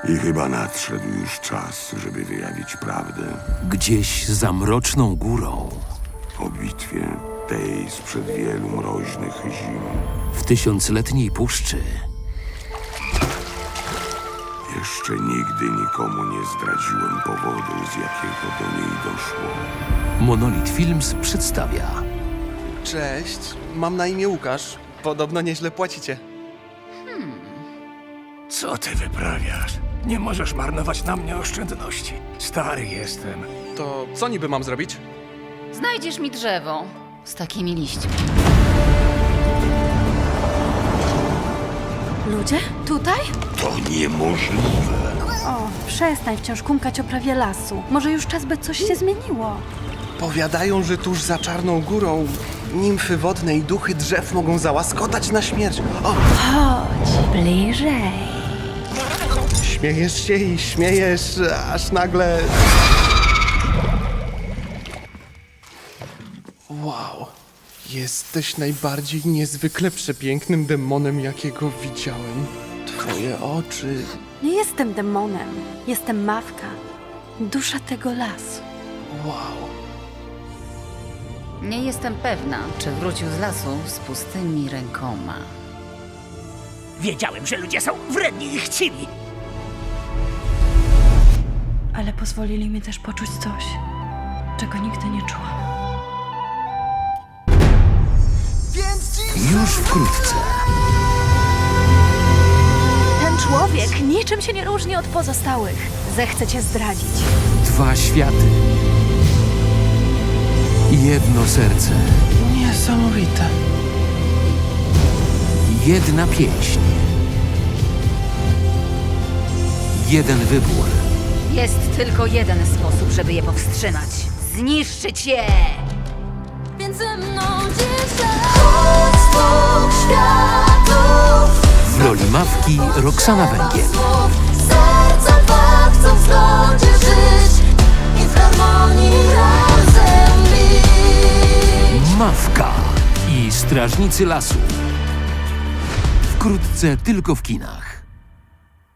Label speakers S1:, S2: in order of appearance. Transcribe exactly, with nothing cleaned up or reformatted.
S1: I chyba nadszedł już czas, żeby wyjawić prawdę
S2: Gdzieś za mroczną górą,
S1: o bitwie tej sprzed wielu mroźnych zim.
S2: w tysiącletniej puszczy,
S1: Jeszcze nigdy nikomu nie zdradziłem powodu, z jakiego do niej doszło.
S2: Monolith Films przedstawia
S3: Cześć, mam na imię Łukasz. Podobno nieźle płacicie.
S4: Co ty wyprawiasz? Nie możesz marnować na mnie oszczędności. Stary jestem.
S3: To co niby mam zrobić?
S5: Znajdziesz mi drzewo z takimi liśćmi.
S6: Ludzie? Tutaj?
S1: To niemożliwe.
S6: O, przestań wciąż kumkać o prawie lasu. Może już czas, by coś się zmieniło.
S3: Powiadają, że tuż za Czarną Górą nimfy wodne i duchy drzew mogą załaskotać na śmierć. O,
S6: Chodź, bliżej.
S3: śmiejesz się i śmiejesz, aż nagle... Wow, jesteś najbardziej niezwykle przepięknym demonem, jakiego widziałem. Twoje oczy...
S6: Nie jestem demonem. Jestem Mawka. Dusza tego lasu.
S3: Wow.
S5: Nie jestem pewna, czy wrócił z lasu z pustymi rękoma.
S4: Wiedziałem, że ludzie są wredni i chciwi.
S6: Ale pozwolili mi też poczuć coś, czego nigdy nie czułam.
S2: już wkrótce.
S6: Ten człowiek niczym się nie różni od pozostałych. Zechce cię zdradzić.
S2: Dwa światy. Jedno serce.
S3: Niesamowite.
S2: Jedna pieśń. Jeden wybór.
S5: Jest tylko jeden sposób, żeby je powstrzymać. Zniszczyć je!
S7: Między mną dzisiaj dwóch światów.
S2: W roli Mawki Roxana Węgiel.
S7: Serca dwa chcą w zgodzie żyć i w harmonii razem bić.
S2: Mawka i Strażnicy Lasu. Wkrótce tylko w kinach.